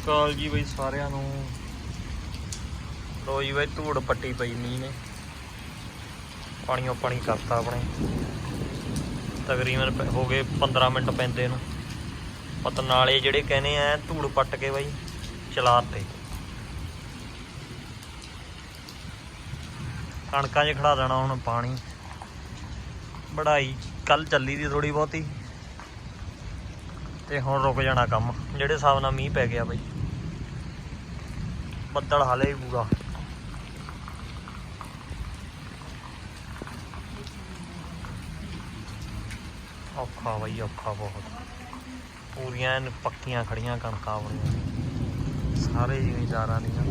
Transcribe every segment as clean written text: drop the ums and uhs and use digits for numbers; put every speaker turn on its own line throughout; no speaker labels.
ਅਕਾਲ ਜੀ ਬਈ ਸਾਰਿਆਂ ਨੂੰ। ਲੋ ਜੀ ਬਈ ਧੂੜ ਪੱਟੀ ਪਈ ਮੀਂਹ ਨੇ, ਪਾਣੀਓ ਪਾਣੀ ਕਰਤਾ ਆਪਣੇ। ਤਕਰੀਬਨ ਹੋ ਗਏ 15 ਮਿੰਟ ਪੈਂਦੇ ਨੂੰ। ਪਤ ਨਾਲੇ ਜਿਹੜੇ ਕਹਿੰਦੇ ਆ ਧੂੜ ਪੱਟ ਕੇ ਬਈ ਚਲਾਤੇ, ਕਣਕਾਂ 'ਚ ਖੜਾ ਦੇਣਾ ਹੁਣ ਪਾਣੀ। ਵਢਾਈ ਕੱਲ ਚੱਲੀ ਦੀ ਥੋੜੀ ਬਹੁਤੀ, ਤੇ ਹੁਣ ਰੁਕ ਜਾਣਾ ਕੰਮ ਜਿਹੜੇ ਹਿਸਾਬ ਨਾਲ ਮੀਂਹ ਪੈ ਗਿਆ ਬਈ। ਬੱਦਲ ਹਾਲੇ ਵੀ ਪੂਰਾ ਔਖਾ ਬਈ, ਔਖਾ ਬਹੁਤ। ਪੂਰੀਆਂ ਪੱਕੀਆਂ ਖੜੀਆਂ ਕਣਕਾਂ ਆਪਣੀਆਂ ਸਾਰੇ ਜ਼ਿਮੀਂਦਾਰਾਂ ਦੀਆਂ।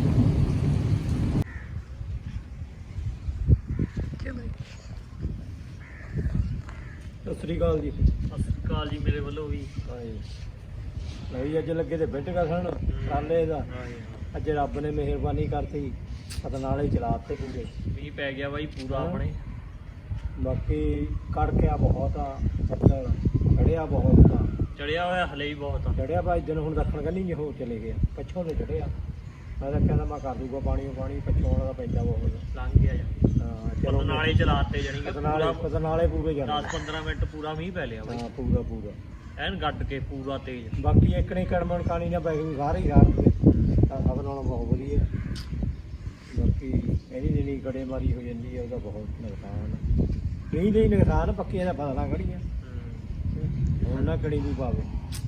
ਸਤਿ ਸ੍ਰੀ ਅਕਾਲ ਜੀ।
ਸਤਿ ਸ੍ਰੀ ਅਕਾਲ ਜੀ ਮੇਰੇ ਵੱਲੋਂ ਵੀ।
ਨਹੀਂ ਅੱਜ ਲੱਗੇ ਤੇ ਬਿੱਟ ਕਸਣ ਕਾਲੇ ਦਾ। ਅੱਜ ਰੱਬ ਨੇ ਮਿਹਰਬਾਨੀ ਕਰਤੀ, ਪਤਾ ਨਾਲੇ ਚਲਾਤੇ ਪੂਰੇ।
ਮੀਂਹ ਪੈ ਗਿਆ ਬਾਈ ਪੂਰਾ ਆਪਣੇ।
ਬਾਕੀ ਕੜਕਿਆ ਬਹੁਤ ਆ, ਬੱਦਲ ਚੜਿਆ ਬਹੁਤ ਆ,
ਚੜਿਆ ਹੋਇਆ ਹਲੇ ਵੀ ਬਹੁਤ ਆ।
ਚੜਿਆ ਭਾਈ ਦਿਨ ਹੁਣ ਦੱਖਣ ਕੰਨੀ ਨਹੀਂ ਹੋ ਚਲੇ ਗਿਆ, ਪੱਛੋਂ ਤੇ ਚੜਿਆ। ਮੈਂ ਤਾਂ ਕਹਿੰਦਾ ਮੈਂ ਕਰ ਦੂਗਾ ਪਾਣੀ ਪੱਛੋਂ ਦਾ ਪੈਂਦਾ ਬਹੁਤ।
ਲੰਘ ਗਿਆ ਜੀ।
ਹਾਂ ਚਲੋ
ਨਾਲੇ ਚਲਾਤੇ ਜਾਣੀ ਕਿ
ਨਾਲੇ ਪੂਰੇ ਜਾਣਾ।
10-15 ਮਿੰਟ ਪੂਰਾ ਮੀਂਹ ਪੈ ਲਿਆ ਬਾਈ।
ਹਾਂ ਪੂਰਾ ਪੂਰਾ
ਐਨ ਗੱਡ ਕੇ ਪੂਰਾ ਤੇਜ਼।
ਬਾਕੀ ਇੱਕ ਨਹੀਂ ਕੜਮਣ ਕਾਣੀ ਨਾ ਪੈ ਗਈ ਸਾਰੇ ਹੀ ਰਾਤ ਦੇ ਤਾਂ ਸਭ ਨਾਲੋਂ ਬਹੁਤ ਵਧੀਆ। ਬਾਕੀ ਇਹਦੀ ਜਿਹੜੀ ਗੜੇਮਾਰੀ ਹੋ ਜਾਂਦੀ ਹੈ ਉਹਦਾ ਬਹੁਤ ਨੁਕਸਾਨ। ਨਹੀਂ ਨਹੀਂ ਨੁਕਸਾਨ ਪੱਕੀਆਂ ਦਾ ਫਸਲਾਂ ਖੜੀਆਂ ਹੁਣ ਨਾ ਕੜੀ ਵੀ ਪਾਵੇ।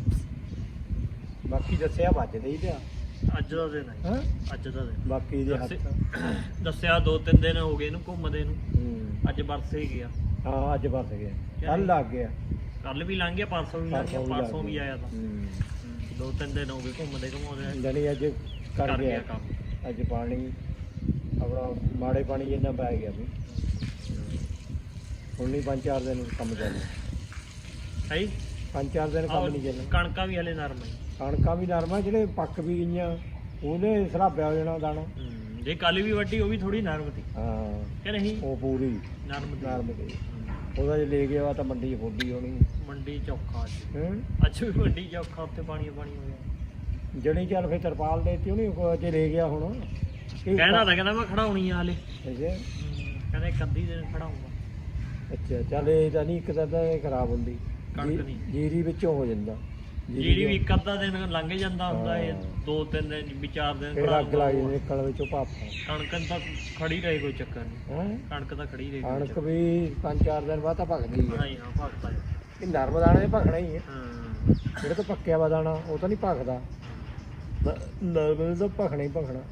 ਬਾਕੀ ਦੱਸਿਆ ਵੱਜਦੇ ਹੀ ਪਿਆ
ਅੱਜ ਦਾ ਦਿਨ ਹੈ। ਅੱਜ ਦਾ ਦਿਨ
ਬਾਕੀ ਦੇ ਹੱਥ
ਦੱਸਿਆ 2-3 ਦਿਨ ਹੋ ਗਏ ਇਹਨੂੰ ਘੁੰਮਦੇ ਨੂੰ। ਅੱਜ ਵਰਸੇ ਗਿਆ।
ਹਾਂ ਅੱਜ ਵਰਸ ਗਿਆ, ਕੱਲ ਲੱਗ ਗਿਆ।
ਕੱਲ ਵੀ ਲੰਘ ਗਿਆ, ਪਰਸੋਂ ਵੀ ਲੰਘ ਗਿਆ, ਪਰਸੋਂ ਵੀ ਆਇਆ ਤਾਂ। 2-3 ਦਿਨ ਹੋ ਗਏ ਘੁੰਮਦੇ ਘੁੰਮਾਉਂਦੇ।
ਜਾਨੀ ਅੱਜ ਕਰ ਗਿਆ
ਕੰਮ।
ਅੱਜ ਪਾਣੀ ਆਪਣਾ ਮਾੜੇ ਪਾਣੀ ਜਿੰਨਾ ਪੈ ਗਿਆ ਵੀ ਹੁਣ ਨਹੀਂ 5-4 ਦਿਨ ਕੰਮ ਚੱਲਣਾ
ਹੈ।
5-4 ਦਿਨ ਕੰਮ ਨਹੀਂ ਚੱਲਣਾ।
ਕਣਕਾਂ ਵੀ ਹਲੇ ਨਰਮ ਹੈ।
ਕਣਕਾਂ ਵੀ ਨਰਮ ਆ, ਜਿਹੜੇ ਪੱਕ ਵੀ ਗਈਆਂ ਉਹਦੇ ਸਰਾਬਿਆ ਹੋ ਜਾਣਾ ਦਾਣਾ।
ਜੇ ਕੱਲ ਵੀ ਵੱਡੀ ਉਹ ਵੀ ਥੋੜੀ ਨਰਮ ਸੀ
ਹਾਂ
ਕਿ ਨਹੀਂ?
ਉਹ ਪੂਰੀ
ਨਰਮ
ਦੀ ਉਹਦਾ ਜੇ ਲੈ ਗਿਆ ਤਾਂ ਮੰਡੀ ਫੋਡੀ ਹੋਣੀ।
ਮੰਡੀ ਚੌਖਾ ਅੱਜ ਵੀ ਮੰਡੀ ਚੌਖਾ, ਉੱਥੇ ਪਾਣੀ ਹੋ ਗਿਆ।
ਜਣੀ ਚੱਲ ਫਿਰ ਤਰਪਾਲ ਦੇਤੀ ਉਹਨੇ ਜੇ ਲੈ ਗਿਆ ਹੁਣ।
ਕਹਿੰਦਾ ਤਾਂ ਕਹਿੰਦਾ ਮੈਂ ਖੜਾਉਣੀ ਆ ਹਲੇ।
ਅੱਛਾ
ਕਹਿੰਦਾ ਇੱਕ ਅੱਧੀ ਦਿਨ ਖੜਾਉਂਗਾ।
ਅੱਛਾ ਚੱਲ ਇਹ ਤਾਂ ਨਹੀਂ, ਇੱਕ ਤਾਂ ਖਰਾਬ ਹੁੰਦੀ
ਕਣਕ ਨਹੀਂ,
ਜੀਰੀ ਵਿੱਚੋਂ ਹੋ ਜਾਂਦਾ।
ਜੀਰੀ ਵੀ ਇੱਕ ਅੱਧਾ ਦਿਨ ਲੰਘ ਜਾਂਦਾ ਹੁੰਦਾ। ਇਹ 2-3 ਦਿਨ ਵੀ 4 ਦਿਨ
ਫਿਰ ਅੱਗ ਲੱਗ ਜਾਂਦੀ ਨਿਕਲ ਵਿੱਚੋਂ ਭਾਪ।
ਕਣਕ ਤਾਂ ਖੜੀ ਰਹੇ, ਕੋਈ ਚੱਕਰ ਨਹੀਂ। ਕਣਕ ਤਾਂ ਖੜੀ ਰਹੇ।
ਕਣਕ ਵੀ 5-4 ਦਿਨ ਬਾਅਦ ਤਾਂ ਭਖਦੀ ਹੈ।
ਹਾਂ ਭਗਤਾ
ਇਹ ਨਰਮ ਦਾਣੇ ਭਖਣਾ ਹੀ ਹੈ।
ਹਾਂ
ਜਿਹੜਾ ਤਾਂ ਪੱਕਿਆ ਵਾ ਦਾਣਾ ਉਹ ਤਾਂ ਨਹੀਂ ਭਖਦਾ, ਨਰਮ ਤਾਂ ਭਖਣਾ ਹੀ ਭਖਣਾ।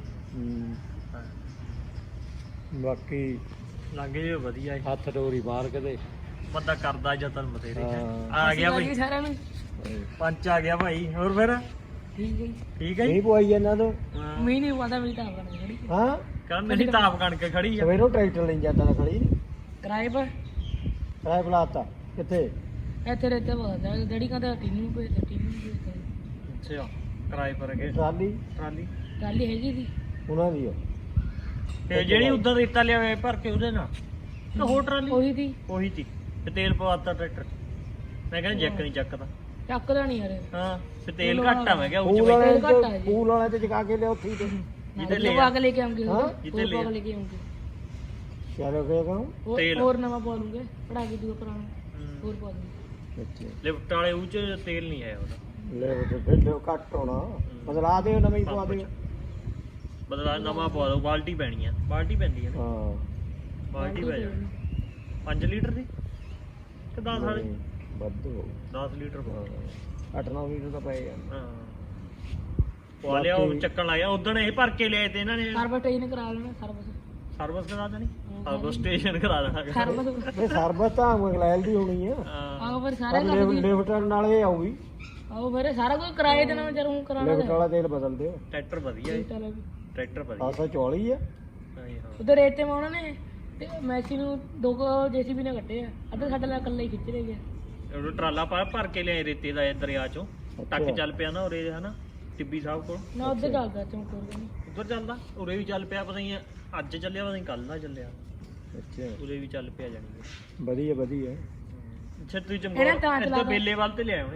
ਬਾਕੀ
ਲੱਗ ਜੇ ਵਧੀਆ
ਹੱਥ ਡੋਰੀ ਬਾਹਰ ਕਦੇ
ਬੰਦਾ ਕਰਦਾ ਜਤਨ ਬਥੇਰੇ। ਆ ਗਿਆ ਭਾਈ ਸਾਰਿਆਂ ਨੂੰ, ਪੰਚ ਆ ਗਿਆ ਭਾਈ। ਹੋਰ ਫਿਰ
ਠੀਕ ਹੈ
ਠੀਕ ਹੈ
ਨਹੀਂ ਪਵਾਈ ਇਹਨਾਂ ਤੋਂ।
ਮੀਂਹ ਨਹੀਂ ਪਤਾ ਮੇਰੀ ਤਾਂ ਕਣਕ ਖੜੀ।
ਹਾਂ
ਕਹਿੰਦਾ ਮੇਰੀ ਤਾਪ ਕਣਕ ਖੜੀ ਆ।
ਸਵੇਰੋਂ ਟਰੈਕਟਰ ਲਈ ਜਾਂਦਾ ਤਾਂ ਖੜੀ
ਕਿਰਾਏ ਪਰ
ਕਿਰਾਏ ਬੁਲਾਤਾ ਕਿੱਥੇ?
ਇੱਥੇ ਰਹਿਤੇ ਬੋਲਦਾ ਡੈਡੀ ਕਹਿੰਦਾ ਟੀਨ ਨੂੰ ਭੇਜ ਦੇ, ਟੀਨ ਨੂੰ ਭੇਜ ਦੇ।
ਅੱਛਾ ਕਿਰਾਏ ਪਰ ਗਏ।
ਟਰਾਲੀ
ਟਰਾਲੀ ਹੈਗੀ ਸੀ
ਉਹਨਾਂ ਦੀ
ਤੇ ਜਿਹੜੀ ਉਧਰ ਰੇਤਾ ਲਿਆ ਭਰ ਕੇ ਉਹਦੇ ਨਾਲ ਤੇ ਹੋਰ ਟਰਾਲੀ
ਉਹੀ
ਸੀ ਤੇ ਤੇਲ ਪਵਾਤਾ ਟਰੈਕਟਰ। ਮੈਂ ਕਹਿੰਦਾ ਜੈਕ ਨਹੀਂ ਚੱਕਦਾ।
ਚੱਕਦਾ ਨਹੀਂ ਯਾਰ।
ਹਾਂ ਤੇ ਤੇਲ ਘੱਟ ਆ। ਮੈਂ ਕਿਹਾ
ਪੂਲ ਵਾਲੇ ਤੇ ਚਕਾ ਕੇ ਲਿਆ ਉੱਥੇ ਤੇ
ਜਿੱਤੇ ਲੈ
ਪਾ ਕੇ ਲੈ ਕੇ ਆਉਂਗੇ।
ਜਿੱਤੇ ਲੈ
ਕੇ ਆਉਂਗੇ।
ਚਲੋ ਫੇਰ ਕਹੂੰ
ਤੇਲ
ਹੋਰ ਨਵਾਂ ਪਾ ਲੂੰਗੇ, ਪੜਾ ਕੇ ਦੂਆ ਪੁਰਾਣਾ ਹੋਰ ਪਾ ਦੂੰਗੇ।
ਅੱਛਾ
ਲਿਫਟ ਵਾਲੇ ਉਹ ਚ ਤੇਲ ਨਹੀਂ ਆਇਆ ਉਹਦਾ।
ਲੈ ਤੇ ਫਿਰ ਘੱਟ ਹੋਣਾ, ਬਦਲਾ ਦਿਓ ਨਵਾਂ ਹੀ ਪਵਾ ਦਿਓ।
ਬਦਲਾ ਨਵਾਂ ਪਵਾ ਦੋ। ਬਾਲਟੀ ਪੈਣੀ ਆ, ਬਾਲਟੀ ਪੈਂਦੀ ਆ ਨਾ।
ਹਾਂ
ਬਾਲਟੀ ਪੈ ਜਾਣੀ 5 ਲੀਟਰ ਦੀ ਕਿ 10 ਵਾਲੀ?
ਵੱਧੋ
10 ਲੀਟਰ ਪਾ
8-9 ਲੀਟਰ ਤਾਂ ਪਏ ਆ।
ਹਾਂ ਪਵਾ ਲਿਆ। ਉਹ ਚੱਕਣ ਲੱਗ ਗਿਆ ਉਦੋਂ ਇਹ ਭਰ ਕੇ ਲਿਆਏ ਤੇ ਇਹਨਾਂ ਨੇ।
ਸਰਵਿਸ ਟ੍ਰੇਨ ਕਰਾ ਲੈਣਾ।
ਸਰਵਿਸ ਕਰਾ ਦੇਣੀ, ਸਰਵਿਸ ਸਟੇਸ਼ਨ ਕਰਾ ਦੇਣਾ।
ਸਰਵਿਸ ਤਾਂ ਮਗਲੈਲ ਦੀ ਹੋਣੀ ਆ।
ਆਓ ਫਿਰ ਸਾਰਾ
ਲਿਫਟਰ ਨਾਲ ਇਹ ਆਊਗੀ।
ਆਓ ਫਿਰ ਸਾਰਾ ਕੁਝ ਕਿਰਾਏ ਦੇਣਾ ਜਰ ਹੁਣ ਕਰਾਣਾ।
ਲਿਫਟ ਵਾਲਾ ਤੇਲ ਬਦਲ ਦਿਓ।
ਟਰੈਕਟਰ ਵਧੀਆ ਹੈ, ਟਰੈਕਟਰ ਵਧੀਆ।
744 ਆ।
ਉਧਰ ਰੇਤੇ ਮਾ ਉਹਨਾਂ ਨੇ ਤੇ ਮੈਸੀ ਨੂੰ 2 ਜੇਸੀਬੀ ਨੇ ਕੱਟੇ ਆ। ਅੱਧਾ ਸਾਡਾ ਨਾਲ ਇਕੱਲਾ ਹੀ ਖਿੱਚ ਲੈ ਗਿਆ।
ਉਹ ਟਰਾਲਾ ਭਰ ਕੇ ਲਿਆਏ ਰੇਤੇ ਦਾ ਦਰਿਆ ਚੋਂ। ਟੱਕ ਚੱਲ ਪਿਆ ਨਾ ਉਰੇ ਹਨਾ ਟਿੱਬੀ ਸਾਹਿਬ ਕੋਲ।
ਨਾ ਉੱਧਰ ਚੱਲਦਾ ਚੌਂਕਰ ਨਹੀਂ
ਉੱਧਰ ਚੱਲਦਾ, ਉਰੇ ਵੀ ਚੱਲ ਪਿਆ। ਪਤਾ ਨਹੀਂ ਅੱਜ ਚੱਲਿਆ, ਪਤਾ ਨਹੀਂ ਕੱਲ ਦਾ ਚੱਲਿਆ।
ਅੱਛਾ
ਉਰੇ ਵੀ ਚੱਲ ਪਿਆ ਜਾਣੀ।
ਵਧੀਆ ਵਧੀਆ।
ਅੱਛਾ ਤੁਸੀਂ ਚੰਗਾ ਇੱਧਰ ਬੇਲੇ ਵੱਲ ਤੇ ਲਿਆਏ ਹੋਣੇ।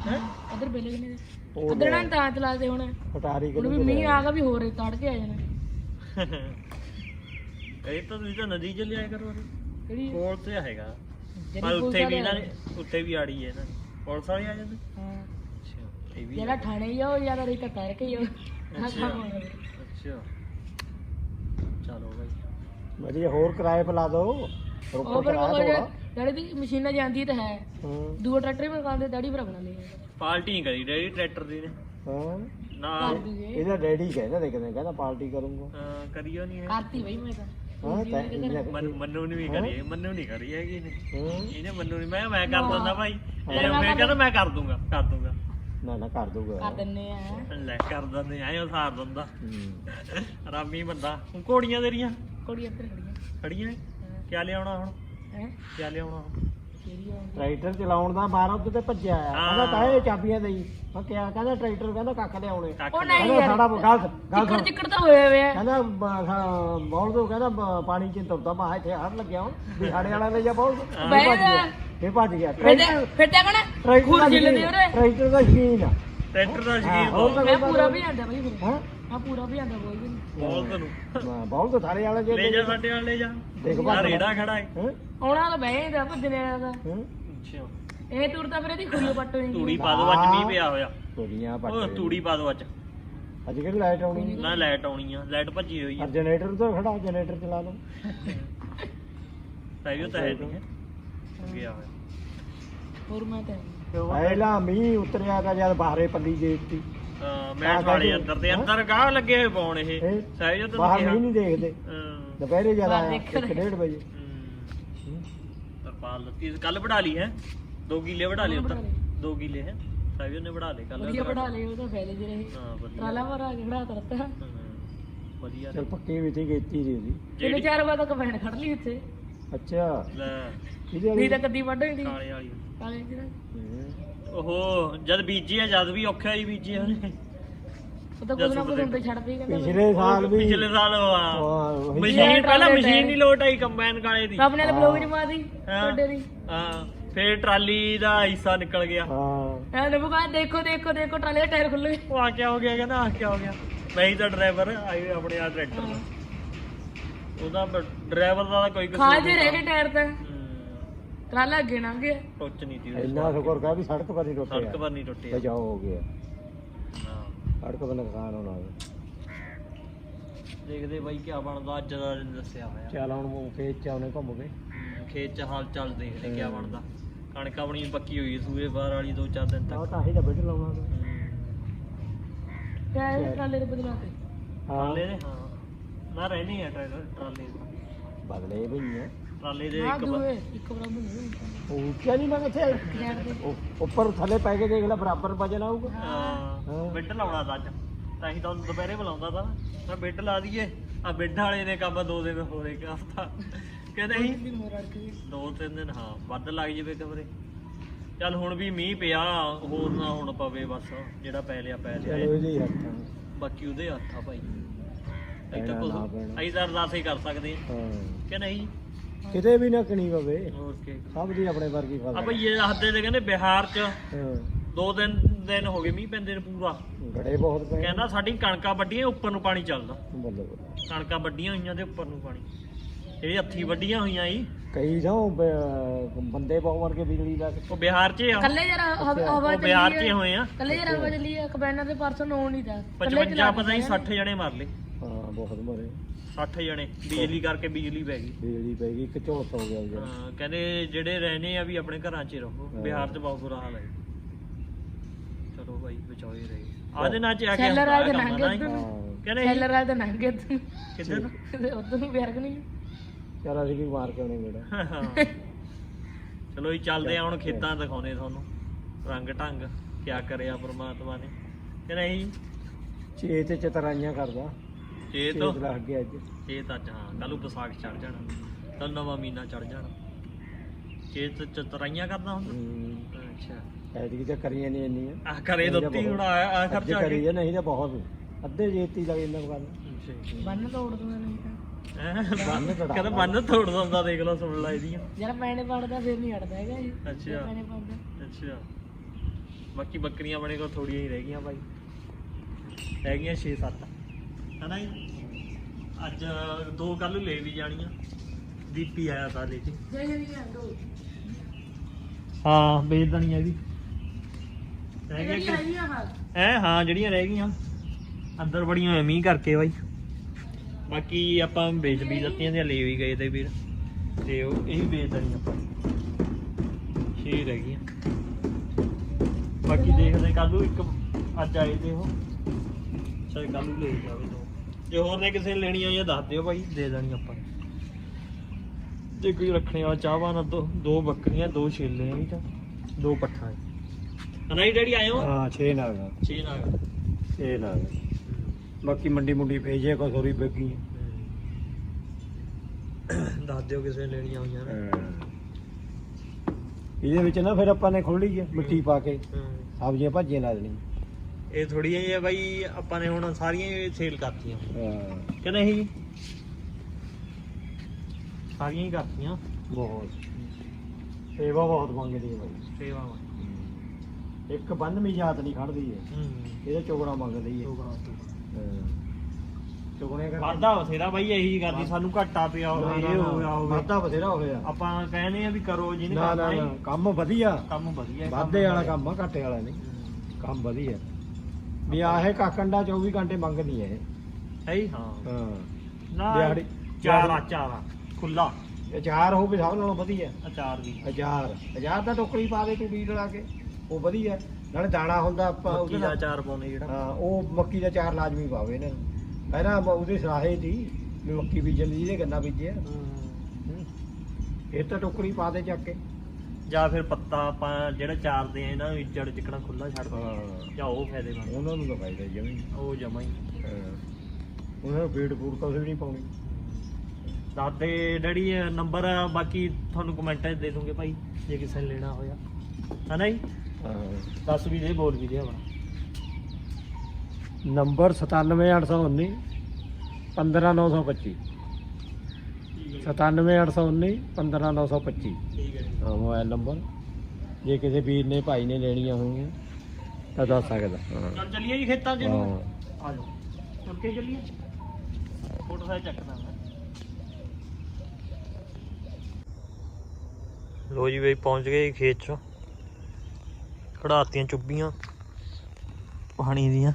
ਹੈ
ਉਧਰ ਬੇਲੇ ਕਿੰਨੇ
ਉਹ
ਉਧਰ ਨਾ ਤਾਂ ਚਲਾਦੇ ਹੁਣ
ਪਟਾਰੀ
ਹੁਣ ਵੀ ਮੀਂਹ ਆ ਗਿਆ ਵੀ ਹੋਰ ਤੜ ਕੇ ਆ ਜਾਣਾ
ਇਹ ਤਾਂ ਤੁਸੀਂ ਤਾਂ ਨਦੀ ਚ ਲਿਆਇਆ ਕਰੋ
ਕਿਹੜੀ
ਕੋਲ ਤੇ ਹੈਗਾ
ਜਿਹੜੀ
ਪਰ ਉੱਥੇ
ਪੁਲਿਸ
ਵੀ ਇਹਨਾਂ
ਵਾਲੇ
ਨੇ ਉੱਥੇ ਵੀ ਆੜੀ ਹੈ ਇਹਨਾਂ ਦੀ ਪੁਲਿਸ ਵਾਲੇ ਆ ਜਾਂਦੇ
ਹਾਂ
ਅੱਛਾ ਇਹ ਵੀ
ਜਿਹੜਾ ਥਾਣੇ ਹੀ ਆ ਉਹ ਜ਼ਿਆਦਾ ਰਹੀ ਤਾਂ ਤੜ ਕੇ ਹੀ ਆ
ਅੱਛਾ ਅੱਛਾ ਚਲੋ ਬਾਈ
ਵਧੀਆ ਹੋਰ ਕਿਰਾਏ ਪਾ ਲਾ ਦੋ
ਉਹ
ਰੋਪੜ
ਫਿਰ
ਕਿਰਾਇਆ
ਉਹ
ਥੋੜਾ
ਜਿਹੜੀ ਦੀ ਮਸ਼ੀਨਾਂ ਜਾਂਦੀ ਤਾਂ ਹੈ
ਹਾਂ
ਦੂਆ ਟਰੈਕਟਰ ਵੀ ਮਕਾਨ ਦੇ ਦਾੜੀ ਭਰਾ ਬਣਾਉਂਦੇ ਆ
ਪਾਲਟੀ ਨਹੀਂ ਕਰੀ ਡੈਡੀ ਟਰੈਕਟਰ ਦੀ ਨੇ
ਹਾਂ
ਨਾ
ਕਰ ਦੂਗੇ
ਇਹਦਾ ਡੈਡੀ ਕਹਿੰਦਾ ਦੇਖਦੇ ਕਹਿੰਦਾ ਪਾਰਟੀ ਕਰੂੰਗਾ
ਕਰੀਓ ਨਹੀਂ
ਕਰਤੀ ਬਈ ਮੈਂ ਤਾਂ
ਹਾਂ ਤਾਂ ਇਹਨੇ
ਮੰਨੂ ਨੇ ਵੀ ਕਰੀ ਮੰਨੂ ਨਹੀਂ ਕਰੀ ਹੈਗੀ ਇਹਨੇ
ਹਾਂ
ਇਹਨੇ ਮੰਨੂ ਨਹੀਂ ਮੈਂ ਕਰ ਦਿੰਦਾ ਭਾਈ ਇਹ ਮੈਂ ਕਹਿੰਦਾ ਮੈਂ ਕਰ ਦੂੰਗਾ
ਨਾ ਨਾ ਕਰ ਦੂਗਾ
ਕਰ ਦਿੰਨੇ ਆ
ਲੈ ਕਰ ਦਿੰਦੇ ਐਂ ਉਸਾਰ ਦਿੰਦਾ
ਹੂੰ।
ਆਰਾਮੀ ਬੰਦਾ ਹੁਣ ਘੋੜੀਆਂ ਤੇਰੀਆਂ
ਕੋੜੀ ਇੱਧਰ ਖੜੀਆਂ
ਖੜੀਆਂ ਕਿਆ ਲਿਆਉਣਾ ਹੁਣ
ਹੈ
ਕਿਆ ਲਿਆਉਣਾ ਹੁਣ
ਕਿਹੜੀ ਆ
ਟਰੈਕਟਰ ਚਲਾਉਣ ਦਾ ਬਾਹਰ ਉੱਤੇ ਤੇ ਭੱਜਿਆ ਆ ਕਹਿੰਦਾ ਤਾਂ ਇਹ ਚਾਬੀਆਂ ਦੇਈ ਮੈਂ ਕਿਹਾ ਕਹਿੰਦਾ ਟਰੈਕਟਰ ਕਹਿੰਦਾ ਕੱਖ ਲਿਆਉਣੇ
ਕੱਖ
ਉਹ ਨਹੀਂ
ਕਹਿੰਦਾ
ਯਾਰ
ਸਾਡਾ ਗੱਲ
ਚਿੱਕੜ ਚਿੱਕੜ ਤਾਂ ਹੋਇਆ ਹੋਇਆ
ਕਹਿੰਦਾ ਬੌਲ ਤੋਂ ਕਹਿੰਦਾ ਪਾਣੀ ਚ ਤੁਰਦਾ ਮਾ ਇੱਥੇ ਹੜ ਲੱਗਿਆ ਹੁਣ ਵੀ ਸਾਡੇ ਵਾਲਾ ਲੈ ਜਾ ਬੌਲ ਇਹ ਭੱਜ ਗਿਆ ਟਰੈਕਟਰ
ਫਿਰ ਤਾਂ ਕਹਣਾ ਖੂਰ ਜਿੱਲਦੇ ਉਹਦੇ
ਟਰੈਕਟਰ ਦਾ ਸ਼ਕੀਨ ਆ
ਟਰੈਕਟਰ ਦਾ
ਹਾਂ,
ਸ਼ਕੀਨ
ਹੋਰ
ਬਹੁਤ
ਮੈਂ ਪੂਰਾ ਵੀ ਆਂਦਾ ਬਈ ਫਿਰ
ਹਾਂ
ਆ ਪੂਰਾ ਵੀ ਆਂਦਾ ਬੋਲ ਵੀ
ਬੋਲ ਤੈਨੂੰ
ਬੌਲ ਤੋਂ ਸਾਰੇ ਵਾਲੇ ਜੇ
ਲੈ ਜਾ ਸਾਡੇ ਨਾਲ ਲੈ ਜਾ
ਦੇਖ
ਆ
ਭੱਜ
ਰੇੜਾ ਖੜਾ ਹੈ
ਹਾਂ
ਆਉਣਾ ਤਾਂ ਬਹਿ ਜਾਂਦਾ ਭੱਜਣੇ ਵਾਲਾ ਦਾ
ਹਾਂ
ਅੱਛਾ
ਇਹ ਤੁਰਦਾ ਫਿਰ ਇਹਦੀ ਖੁੱਲੀ ਪੱਟ ਹੋਈ
ਤੂੜੀ ਪਾ ਦੋ ਅੱਜ ਮੀਂਹ ਪਿਆ ਹੋਇਆ
ਤੁਰੀਆਂ
ਉਹ
ਪੱਟ
ਤੂੜੀ ਪਾ ਦੋ ਅੱਜ
ਅੱਜ ਕਿਹੜੀ ਲਾਈਟ ਆਉਣੀ
ਨਾ ਲਾਈਟ ਆਉਣੀ ਆ ਲਾਈਟ ਭੱਜੀ ਹੋਈ ਆ
ਜਨਰੇਟਰ ਤੋਂ ਖੜਾ ਜਨਰੇਟਰ ਚਲਾ ਲਓ
ਸਾਈਓ ਤਾਂ ਹੈ ਨਹੀਂ ਹੈ ਗਿਆ ਹੋਇਆ
ਹੋਰ ਮੈਂ ਤਾਂ
ਪਹਿਲਾਂ ਮੀਂਹ ਉਤਰਿਆ ਤਾਂ ਜਦ ਬਾਹਰੇ ਪੱਲੀ ਦੇਤੀ
ਮੈਂ ਖਾਲੇ ਅੰਦਰ ਤੇ ਅੰਦਰ ਗਾਹ ਲੱਗੇ ਹੋਏ ਪਾਉਣ ਇਹ
ਇਹ
ਸਾਈਓ ਤਾਂ
ਬਾਹਰ ਮੀਂਹ ਨਹੀਂ ਦੇਖਦੇ ਦੁਪਹਿਰੇ ਜਿਆਦਾ
ਬਾਹਰ
ਆਇਆ
ਦੇਖਦੇ।
1:30 ਵਜੇ
ਤਰਪਾਲ ਲੱਤੀ ਕੱਲ ਵੜਾ ਲਈ ਹੈ 2 ਕਿੱਲੇ ਵੜਾ ਲਈ ਉੱਧਰ 2 ਕਿੱਲੇ ਹੈ ਸਾਈਓ ਨੇ ਵੜਾ ਲਏ ਕੱਲ
ਵਧੀਆ ਪੜਾ ਲਏ ਉਹ ਤਾਂ ਫੈਲੇ ਜਿਹੇ ਰਹੇ
ਹਾਂ ਵਧੀਆ
ਟਰਾਲਾ ਭਰਾ ਕੇ ਖੜਾ ਕਰਤਾ
ਹਾਂ, ਵਧੀਆ
ਚਲ ਪੱਕੀ ਵੀ ਸੀ ਕੀਤੀ ਸੀ ਉਹਦੀ
ਤਿੰਨ ਚਾਰ ਵਾਰ ਤੱਕ ਭੈਣ ਖੜ ਲਈ ਉੱਥੇ
ਅੱਛਾ
ਲੈ
ਕਿਹਦੇ
ਨਹੀਂ
ਵਾਲੀ
ਤਾਂ ਕੱਦੀ ਵੱਢ ਹੋਈ ਸੀ
ਕਾਲੇ ਵਾਲੀ
ਕਾਲੇ ਜਿਹੜਾ
ਓਹੋ ਜਦ ਬੀਜੀ ਆ ਜਦ ਵੀ ਔਖਾ ਹੀ ਬੀਜੀ ਉਹਨੇ
ਉਹ ਤਾਂ ਕੁਝ ਨਾ ਕੁਝ ਹੁੰਦੇ ਛੱਡ ਪਈ ਕਹਿੰਦਾ
ਪਿਛਲੇ ਸਾਲ ਵੀ
ਪਿਛਲੇ ਸਾਲ
ਉਹੀ
ਮਸ਼ੀਨ ਪਹਿਲਾਂ ਮਸ਼ੀਨ ਨਹੀਂ ਲੋਟ ਆਈ ਕੰਬਾਈਨ ਕਾਲੇ ਦੀ
ਆਪਣੇ ਨੇ ਬਲੌਗ ਜਮਾ ਦੀ
ਹਾਂ।
ਤੁਹਾਡੇ ਦੀ
ਹਾਂ ਫੇਰ ਟਰਾਲੀ ਦਾ ਹਿੱਸਾ ਨਿਕਲ ਗਿਆ
ਹਾਂ
ਐ ਨਬੂ ਕਹਾ ਦੇਖੋ ਦੇਖੋ ਦੇਖੋ ਟਰਾਲੇ ਦਾ ਟਾਇਰ ਖੁੱਲ ਗਿਆ
ਉਹ ਆ ਕਿਆ ਹੋ ਗਿਆ ਕਹਿੰਦਾ ਆ ਕਿਆ ਹੋ ਗਿਆ ਮੈਂ ਹੀ ਤਾਂ ਡਰਾਈਵਰ ਆਈ ਆਪਣੇ ਆ ਟਰੈਕਟਰ ਦਾ ਉਹਦਾ ਡਰਾਈਵਰ ਦਾ ਤਾਂ ਕੋਈ
ਖਾ ਜੇ ਰਹਿ ਗਏ ਟਾਇਰ ਤਾਂ
ਹੂੰ,
ਟਰਾਲਾ ਅੱਗੇ ਲੰਘ ਗਿਆ
ਟੁੱਚ ਨਹੀਂ ਤੀ
ਇੰਨਾ ਸ਼ੁਕਰ ਕਰ ਵੀ ਸੜਕ ਪਰ ਨਹੀਂ
ਸੜਕ
ਟੁੱਟਿਆ
ਪਰ ਨਹੀਂ ਟੁੱਟਿਆ
ਬਚਾਓ ਹੋ ਗਿਆ
ਹਾਂ
ਸੜਕ ਪਰ ਨੁਕਸਾਨ ਹੋਣਾ
ਦੇਖਦੇ ਬਾਈ ਕੀ ਬਣਦਾ ਅੱਜ ਦਾ ਦਿਨ ਦੱਸਿਆ ਹੋਇਆ
ਚੱਲ ਹੁਣ ਖੇਤ ਚ ਆਉਣੇ ਘੁੰਮ ਕੇ
ਖੇਤ ਚ ਹਾਲ ਚਾਲ ਦੇਖਦੇ ਕੀ ਬਣਦਾ ਕਣਕ ਆਪਣੀ ਪੱਕੀ ਹੋਈ ਹੈ ਸੂਏ ਬਾਹਰ ਵਾਲੀ 2-4 ਦਿਨ
ਆਹ
ਤੱਕ
ਤਾਂ ਹੀ ਤਾਂ ਬਿੱਟ ਲਾਉਣਾ ਤਾਂ।
ਟਾਇਰ ਟਰਾਲੇ ਦੇ ਬਦਲਾ ਤੇ
ਟਰਾਲੇ ਦੇ ਹਾਂ ਨਾ ਰਹਿਣੀ ਹੈ ਟਰਾਲੇ
ਬਦਲੇ ਭਈ ਆ
ਟਰਾਲੇ ਦੇ
ਨਾ
ਇੱਕ
ਦੂਏ ਇੱਕ ਬਰਾਬਰ ਨਹੀਂ
ਉਹ ਉੱਚਾ ਨਹੀਂ ਮੈਂ ਕਿੱਥੇ
ਟਾਇਰ ਦੇ
ਉੱਪਰ ਥੱਲੇ ਪੈ ਕੇ ਦੇਖ ਲੈ ਬਰਾਬਰ ਵਜਨ ਆਊਗਾ
ਹਾਂ ਬਿੱਡ ਲਾਉਣਾ ਤਾਂ ਅੱਜ ਤਾਂ ਹੀ ਤੁਹਾਨੂੰ ਦੁਪਹਿਰੇ ਬੁਲਾਉਂਦਾ ਤਾਂ ਮੈਂ ਬਿੱਡ ਲਾ ਦਈਏ ਆ ਬਿੱਡ ਵਾਲੇ ਨੇ ਕੰਮ 2 ਦਿਨ ਹੋਰ ਇੱਕ ਹਫਤਾ ਕਹਿੰਦੇ ਸੀ
ਦੀ ਮੋਰ ਅੜ ਗਈ
2-3 ਦਿਨ ਹਾਂ ਵੱਧ ਲੱਗ ਜਾਵੇ ਕਮਰੇ ਚੱਲ ਹੁਣ ਵੀ ਮੀਂਹ ਪਿਆ ਹੋਰ ਨਾ ਹੁਣ ਪਵੇ ਬਸ ਜਿਹੜਾ ਪੈ ਲਿਆ
ਚਲੋ
ਲਿਆ
ਇਹਦੇ ਹੀ ਹੱਥਾਂ
ਬਾਕੀ ਉਹਦੇ ਹੱਥ ਆ ਭਾਈ ਅਸੀਂ ਤਾਂ
ਪੈਣਾ ਨਾ
ਕੁਝ
ਪੈਣਾ।
ਅਸੀਂ ਤਾਂ ਅਰਦਾਸ ਹੀ ਕਰ ਸਕਦੇ ਹਾਂ
ਹਾਂ
ਕਿ ਨਹੀਂ
ਕਿਤੇ ਵੀ ਨਾ ਕਣੀ ਪਵੇ
ਹੋਰ ਕੀ
ਸਭ ਦੀ ਆਪਣੇ ਵਰਗੀ
ਆ
ਫਸਲ
ਭਈ ਇਹ ਹੱਦੇ ਦੇ ਕਹਿੰਦੇ ਬਿਹਾਰ ਚ
ਹਾਂ
2 ਦਿਨ ਹੋ ਗਏ ਮੀਂਹ ਪੈਂਦੇ ਨੇ ਪੂਰਾ
ਗੜੇ ਬਹੁਤ ਪਏ
ਕਹਿੰਦਾ ਸਾਡੀ ਕਣਕਾਂ ਵੱਡੀਆਂ ਉੱਪਰ ਨੂੰ ਪਾਣੀ ਚੱਲਦਾ
ਬੱਲੇ ਬੱਲੇ
ਕਣਕਾਂ ਵੱਡੀਆਂ ਹੋਈਆਂ ਤੇ ਉੱਪਰ ਨੂੰ ਪਾਣੀ ਜਿਹੜੀ ਹੱਥੀ ਵੱਡੀਆਂ ਹੋਈਆਂ ਸੀ
ਕਈ ਜਾਂ ਬੰਦੇ ਬਹੁਤ ਮਰ ਕੇ ਬਿਜਲੀ ਦਾ
ਉਹ ਬਿਹਾਰ 'ਚ ਆ
ਕੱਲੇ ਜਰਾ ਹਵਾ
ਉਹ ਬਿਹਾਰ 'ਚ ਹੀ ਹੋਏ ਆ
ਕੱਲੇ ਜਰਾ ਹਵਾ ਚੱਲੀ ਆ ਕਬੈਨਰ ਦੇ ਪਰਸੋਂ ਨੂੰ ਨਹੀਂ ਦਾ
55 ਪਤਾ ਨਹੀਂ 60 ਜਣੇ ਮਰ ਲਏ
ਹਾਂ ਬਹੁਤ ਮਰੇ
60 ਜਣੇ ਬਿਜਲੀ ਕਰਕੇ ਬਿਜਲੀ ਪੈ ਗਈ
ਬਿਜਲੀ ਪੈ ਗਈ ਇੱਕ ਝੋਸ ਹੋ ਗਿਆ ਜੀ
ਹਾਂ ਕਹਿੰਦੇ ਜਿਹੜੇ ਰਹਿਣੇ ਆ ਵੀ ਆਪਣੇ ਘਰਾਂ 'ਚ ਹੀ ਰਹੋ ਬਿਹਾਰ 'ਚ ਬਹੁਤ ਬੁਰਾ ਹਾਲ ਹੈ ਚਲੋ ਭਾਈ ਬਚਾਓ ਹੀ ਰਹੇ ਆਦੇ ਨਾਲ ਚ ਆ ਕੇ
ਸੈਲਰ ਵਾਲੇ ਦੇ
ਕੰਮ
ਨੰਗੇ
ਨਾ
ਉੱਧਰ ਨੂੰ
ਹਾਂ
ਕਹਿੰਦੇ
ਸੈਲਰ ਵਾਲੇ ਦੇ ਨੰਗੇ
ਕਿੱਧਰ ਨੂੰ
ਉਧਰ ਨੂੰ ਬਿਆਰਕ ਨਹੀਂ
ਚਲ ਅਸੀਂ ਵੀ ਮਾਰ ਕੇ ਆਉਣੇ ਗੇੜਾ
ਹਾਂ। ਚਲੋ ਜੀ ਚੱਲਦੇ ਆ ਹੁਣ ਖੇਤਾਂ ਦਿਖਾਉਣੇ ਤੁਹਾਨੂੰ ਰੰਗ ਢੰਗ ਕਿਆ ਕਰਿਆ ਪ੍ਰਮਾਤਮਾ ਨੇ ਕਿ ਨਹੀਂ
ਛੇ ਤੇ ਚਤਰਾਈਆਂ ਕਰਦਾ
ਇਹ ਤਾਂ
ਛੇ ਲੱਗ ਗਿਆ ਅੱਜ
ਇਹ ਤਾਂ ਹਾਂ ਕੱਲ ਨੂੰ ਵਿਸਾਖ ਚੜ ਜਾਣਾ ਕੱਲ ਨਵਾਂ ਮਹੀਨਾ ਚੜ ਜਾਣਾ ਇਹ ਤਾਂ ਚਤਰਾਈਆਂ ਕਰਦਾ ਹੁੰਦਾ ਅੱਛਾ
ਐਤਕੀ ਤਾਂ ਕਰੀਆਂ ਨਹੀਂ ਇੰਨੀਆਂ
ਆ ਕਰੇ ਦਿੱਤੀ ਹੁਣ ਆ
ਅੱਜ
ਖਰਚਾ
ਕਰੀ ਆ ਨਹੀਂ ਤਾਂ ਬਹੁਤ ਅੱਧੇ ਜੇਤੀ ਲੱਗ ਜਾਂਦਾ ਗੱਲ
ਬੰਨ ਤੋੜ ਦੂੰਗਾ ਨਹੀਂ ਤਾਂ
ਕਹਿੰਦਾ ਬੰਨ ਤੋੜ ਦਿੰਦਾ ਦੇਖ ਲਓ ਸੁਣ ਲੈ ਇਹਦੀਆਂ
ਜਰਾ ਪੈਣੇ ਪੜਦਾ ਫਿਰ ਨਹੀਂ ਹਟਦਾ ਹੈਗਾ ਜੀ
ਅੱਛਾ
ਪੈਣੇ ਪੜਦਾ
ਅੱਛਾ ਬਾਕੀ ਬੱਕਰੀਆਂ ਆਪਣੇ ਕੋਲ ਥੋੜੀਆਂ ਹੀ ਰਹਿ ਗਈਆਂ ਭਾਈ, ਰਹਿ ਗਈਆਂ 6-7 ਹਨਾ ਜੀ। ਅੱਜ 2 ਕੱਲ ਨੂੰ ਲੈ ਵੀ ਜਾਣੀਆਂ। ਦੀਪੀ ਆਇਆ ਤਾਂ ਲੈ ਕੇ, ਹਾਂ ਵੇਚ ਦੇਣੀਆਂ ਵੀ ਰਹਿ ਗਈਆਂ ਹਾਂ ਜਿਹੜੀਆਂ ਰਹਿ ਗਈਆਂ ਅੰਦਰ ਬੜੀਆਂ ਹੋਈਆਂ ਮੀਂਹ ਕਰਕੇ ਬਾਈ। ਬਾਕੀ ਆਪਾਂ ਵੇਚ ਵੀ ਦਿੱਤੀਆਂ ਤੇ ਲੈ ਵੀ ਗਏ ਤੇ ਵੀਰ, ਤੇ ਉਹ ਇਹ ਵੀ ਵੇਚ ਦੇਣੀਆਂ ਆਪਾਂ 6 ਰਹਿ ਗਈਆਂ। ਬਾਕੀ ਦੇਖਦੇ ਕੱਲ ਨੂੰ, ਇੱਕ ਅੱਜ ਆਏ ਤੇ ਉਹ ਸ਼ਾਇਦ ਕੱਲ ਨੂੰ ਲੈ ਜਾਵੇ 2। ਜੇ ਹੋਰ ਨੇ ਕਿਸੇ ਨੇ ਲੈਣੀਆਂ ਜਾਂ ਦੱਸ ਦਿਓ ਭਾਈ, ਦੇ ਦੇਣੀ ਆਪਾਂ ਨੇ। ਜੇ ਕੋਈ ਰੱਖਣੇ ਵਾਲਾ ਚਾਹਵਾਨ 2 ਬੱਕਰੀਆਂ 2 ਛੇਲੇ ਆ ਤਾਂ 2 ਪੱਠਾ ਹਨਾ ਜੀ ਡੈਡੀ ਆਏ ਹੋ?
ਹਾਂ 6 ਨਾਗ
6 ਨਾਗ
6 ਨਾਗ। ਬਾਕੀ ਮੰਡੀ ਮੁੰਡੀ ਭੇਜੇ ਕੋ ਥੋੜੀ ਬੈਗੀ
ਦੱਸ ਦਿਓ ਕਿਸੇ ਨੇ ਲੈਣੀਆਂ ਹੋਈਆਂ ਨੇ।
ਇਹਦੇ ਵਿੱਚ ਨਾ ਫਿਰ ਆਪਾਂ ਨੇ ਖੋਲੀ ਹੈ ਮਿੱਟੀ ਪਾ ਕੇ ਸਬਜ਼ੀਆਂ ਭਾਜੀਆਂ ਲਾ ਦੇਣੀਆਂ।
ਇਹ ਥੋੜੀਆਂ ਜਿਹੀਆਂ ਬਾਈ ਆਪਾਂ ਨੇ ਹੁਣ ਸਾਰੀਆਂ ਸੇਲ ਕਰਤੀਆਂ
ਹਾਂ
ਕਿ ਨਹੀਂ? ਸਾਰੀਆਂ ਹੀ ਕਰਤੀਆਂ।
ਬਹੁਤ ਸੇਵਾ ਬਹੁਤ ਮੰਗਦੀ ਹੈ ਬਾਈ,
ਸੇਵਾ
ਇੱਕ ਬੰਨਵੀਂ ਜਾਤ ਨਹੀਂ ਖੜਦੀ ਹੈ, ਇਹਦਾ ਚੋਗਣਾ ਮੰਗਦੀ ਹੈ। ਚੋਗਣੇ ਕਰਕੇ
ਵਾਧਾ ਬਥੇਰਾ ਬਾਈ ਇਹੀ ਕਰਦੀ, ਸਾਨੂੰ ਘਾਟਾ ਪਿਆ ਹੋਵੇ ਇਹ ਹੋਇਆ ਹੋਵੇ
ਵਾਧਾ ਬਥੇਰਾ ਹੋਇਆ।
ਆਪਾਂ ਕਹਿੰਦੇ ਆ ਵੀ ਕਰੋ ਜਿਹਨੇ
ਨਾ
ਕਰਨਾ
ਨਾ
ਹੈ।
ਕੰਮ ਵਧੀਆ,
ਕੰਮ ਵਧੀਆ
ਵਾਧੇ ਵਾਲਾ ਕੰਮ ਆ, ਘਾਟੇ ਵਾਲਾ ਨਹੀਂ। ਕੰਮ ਵਧੀਆ ਵੀ ਆਹੇ ਕਾਕੰਡਾ 24 ਘੰਟੇ ਮੰਗਦੀ ਹੈ ਇਹ।
ਹੈ ਹੀ ਹਾਂ
ਹਾਂ
ਨਾ
ਦਿਹਾੜੀ
ਚਾਰ ਖੁੱਲਾ
ਅਚਾਰ ਹੋਵੇ ਸਭ ਨਾਲੋਂ ਵਧੀਆ।
ਅਚਾਰ ਵੀ
ਅਚਾਰ ਦਾ ਟੋਕਰੀ ਪਾ ਦੇ ਤੂੰ ਬੀਜ ਲਾ ਕੇ, ਉਹ ਵਧੀਆ। ਨਾਲੇ ਦਾਣਾ ਹੁੰਦਾ ਆਪਾਂ
ਮੱਕੀ ਦਾ ਅਚਾਰ ਪਾਉਂਦੇ ਜਿਹੜਾ।
ਹਾਂ ਉਹ ਮੱਕੀ ਦਾ ਅਚਾਰ ਲਾਜ਼ਮੀ ਪਾਵੇ ਇਹਨਾਂ ਨੂੰ। ਪਹਿਲਾਂ ਉਹਦੇ ਸਰਾਹੇ ਦੀ ਵੀ ਮੱਕੀ ਬੀਜਣ ਦੀ, ਜਿਹਦੇ ਗੰਨਾ ਬੀਜਿਆ ਇਹ ਤਾਂ ਟੋਕਰੀ ਪਾ ਦੇ ਚੱਕ ਕੇ।
ਜਾਂ ਫਿਰ ਪੱਤਾ ਆਪਾਂ ਜਿਹੜਾ ਚਾਰਦੇ ਆ ਇਹਨਾਂ ਨੂੰ ਇੱਜੜ ਚਿਕਣਾ ਖੁੱਲਾ ਛੱਡ ਦਿੰਦੇ ਜਾਂ ਉਹ ਫਾਇਦੇਮੰਦ।
ਉਹਨਾਂ ਨੂੰ ਤਾਂ ਫਾਇਦਾ ਜਮੀ,
ਉਹ ਜਮਾ ਹੀ
ਉਹਨਾਂ ਨੂੰ ਫੀਡ ਫੂਡ ਕੁਛ ਵੀ ਨਹੀਂ ਪਾਉਣੀ।
ਦਾਦੇ ਡੈਡੀ ਨੰਬਰ ਬਾਕੀ ਤੁਹਾਨੂੰ ਕਮੈਂਟਾਂ 'ਚ ਦੇ ਦੂੰਗੇ ਭਾਈ, ਜੇ ਕਿਸੇ ਨੇ ਲੈਣਾ ਹੋਇਆ ਹਨਾ ਜੀ। ਦੱਸ ਵੀ ਦੇ, ਬੋਲ ਵੀ ਦੇ ਆਪਣਾ
ਨੰਬਰ 97819 15925 97819 15925
ਠੀਕ ਹੈ
ਹਾਂ ਮੋਬਾਈਲ ਨੰਬਰ। ਜੇ ਕਿਸੇ ਵੀਰ ਨੇ ਭਾਈ ਨੇ ਲੈਣੀਆਂ ਹੋਣਗੀਆਂ ਤਾਂ ਦੱਸ ਸਕਦਾ।
ਚੱਲ ਚੱਲੀਏ ਜੀ ਖੇਤਾਂ 'ਚ ਨੂੰ।
ਹਾਂ
ਆ ਜਾਓ ਚੱਲ ਕੇ ਚੱਲੀਏ, ਮੋਟਰਸਾਈਕਲ ਚੱਕਦਾ ਮੈਂ। ਲੋ ਜੀ ਬਈ ਪਹੁੰਚ ਗਏ ਖੇਤ 'ਚ, ਖੜਾਤੀਆਂ ਚੁੱਭੀਆਂ ਪਾਣੀ ਦੀਆਂ,